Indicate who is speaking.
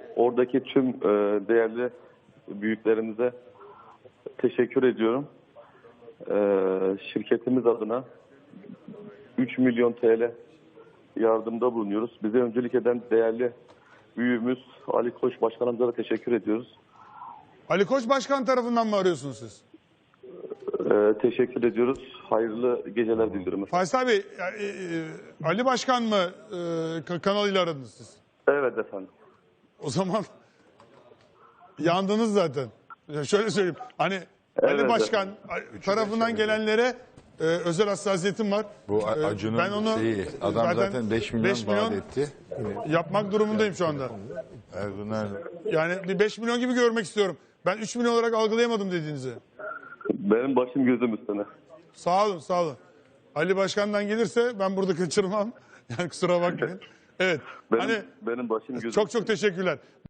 Speaker 1: Oradaki tüm değerli büyüklerimize teşekkür ediyorum. Şirketimiz adına 3 milyon TL yardımda bulunuyoruz. Bize öncülük eden değerli büyüğümüz Ali Koç Başkanımıza da teşekkür ediyoruz.
Speaker 2: Ali Koç Başkan tarafından mı arıyorsunuz siz?
Speaker 1: Teşekkür ediyoruz. Hayırlı geceler diliyorum.
Speaker 2: Faysal Bey, Ali Başkan mı kanalıyla aradınız siz?
Speaker 1: Evet efendim.
Speaker 2: O zaman yandınız zaten. Şöyle söyleyeyim. Hani Ali
Speaker 1: Evet,
Speaker 2: Başkan tarafından gelenlere özel hassasiyetim var.
Speaker 3: Bu Acun'un
Speaker 2: ben onu
Speaker 3: adam zaten 5 milyon vaat etti.
Speaker 2: Yapmak durumundayım şu anda.
Speaker 3: Erdoğan
Speaker 2: Yani bir 5 milyon gibi görmek istiyorum. Ben 3 milyon olarak algılayamadım dediğinizi.
Speaker 1: Benim başım gözüm üstüne.
Speaker 2: Sağ olun, sağ olun. Ali Başkan'dan gelirse ben burada kaçırmam. Yani kusura bakmayın. Evet.
Speaker 1: Benim başım gözüm
Speaker 2: Çok teşekkürler.